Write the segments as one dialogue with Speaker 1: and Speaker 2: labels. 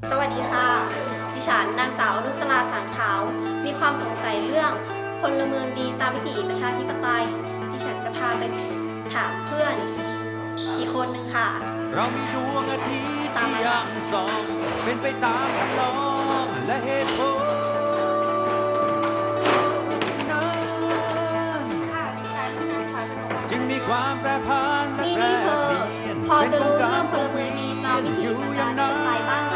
Speaker 1: สวัสดีค่ะดิฉันนางสาวอนุสราสางขาวมีความสงสัยเรื่องพลเมืองดีตามวิถีประชาธิปไตยดิฉันจะพาไปถามเพื่อนอีกคนหนึ่งค่ะ
Speaker 2: เรามีดวงอาทิตย์ที่ยังส่องเป็นไปตามคำร้องและเหตุผล
Speaker 1: ค่ะดิฉันนางสาวชนก
Speaker 2: จึงมีความแปรผันและแปรเปลี่ยน
Speaker 1: พอจะรู้เรื่องพลเมืองดีตามวิถีประชาธิปไตยบ้างไหม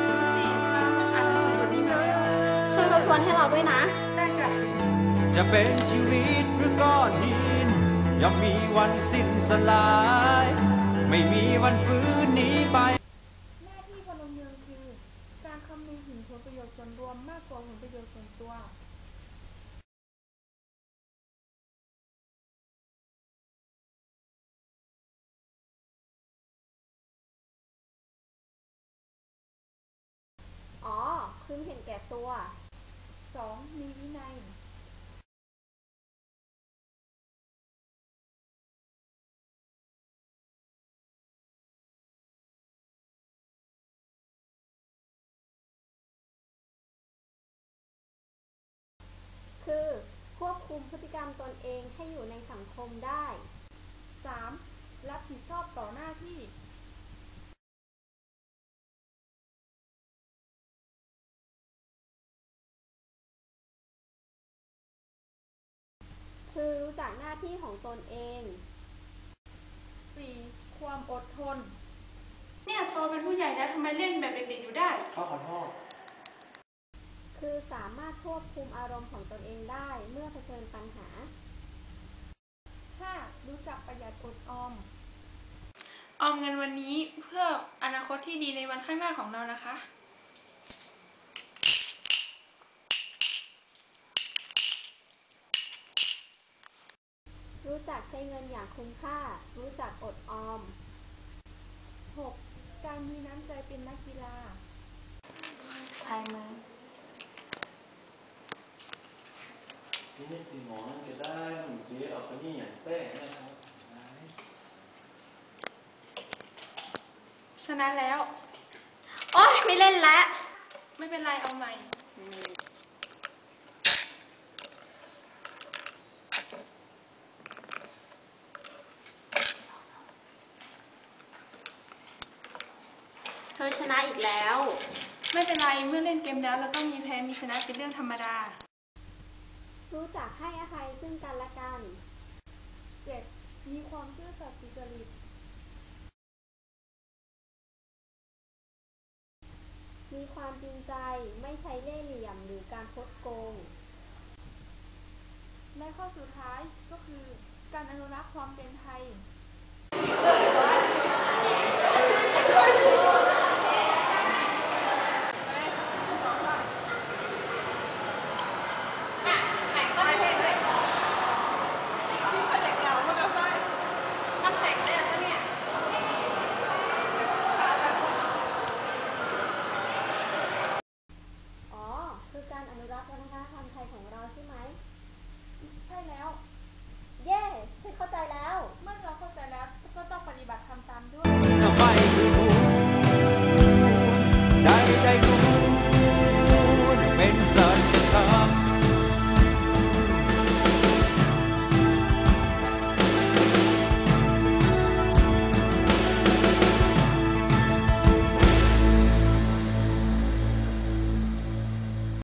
Speaker 1: ช่วยรบกวนให้เราด้วยนะได้จ้ะ
Speaker 2: จะเป็นชีวิตหรือก้อนหินย่อมมีวันสิ้นสลายไม่มีวันฟื้นหนีไป
Speaker 3: หน้าที่พลเมืองคือการคำนึงถึงผลประโยชน์ส่วนรวมมากกว่าผลประโยชน์ส่วนตัว
Speaker 1: อ๋อคือเห็นแก่ตัว
Speaker 3: 2. มีวินัย
Speaker 1: คือควบคุมพฤติกรรมตนเองให้อยู่ในสังคมได้
Speaker 3: 3. รับผิดชอบต่อหน้าที่
Speaker 1: คือรู้จักหน้าที่ของตนเอง
Speaker 3: 4. ความอดทนเนี่ยโตเป็นผู้ใหญ่แล้วทำไมเล่นแบบเด็กๆอยู่ได้
Speaker 2: ขอโทษ
Speaker 1: คือสามารถควบคุมอารมณ์ของตนเองได้เมื่อเผชิญปัญหา
Speaker 3: 5. รู้จักประหยัดอดออมเงินวันนี้เพื่ออนาคตที่ดีในวันข้างหน้าของเรานะคะ
Speaker 1: รู้จักใช้เงินอย่างคุ้มค่ารู้จักอดออม
Speaker 3: 6. การมีน้ำใจเป็นนักกีฬา
Speaker 1: ทายมือ
Speaker 4: นี่ตีหมอนั่นจะได้หนุ่มเจ๊เอาไปนี่อย่างแป้งนะครับ
Speaker 3: ชนะแล้ว
Speaker 1: โอ๊ยไม่เล่นแล้ว
Speaker 3: ไม่เป็นไรเอาใหม่
Speaker 1: เธอชนะอีกแล้ว
Speaker 3: ไม่เป็นไรเมื่อเล่นเกมแล้วเราต้องมีแพ้มีชนะเป็นเรื่องธรรมดา
Speaker 1: รู้จักให้อภัยซึ่งกันและกัน
Speaker 3: 7. มีความซื่อสัตย์สุจริต
Speaker 1: มีความจริงใจไม่ใช้เล่ห์เหลี่ยมหรือการคดโกง
Speaker 3: และข้อสุดท้ายก็คือการอนุรักษ์ความเป็นไทย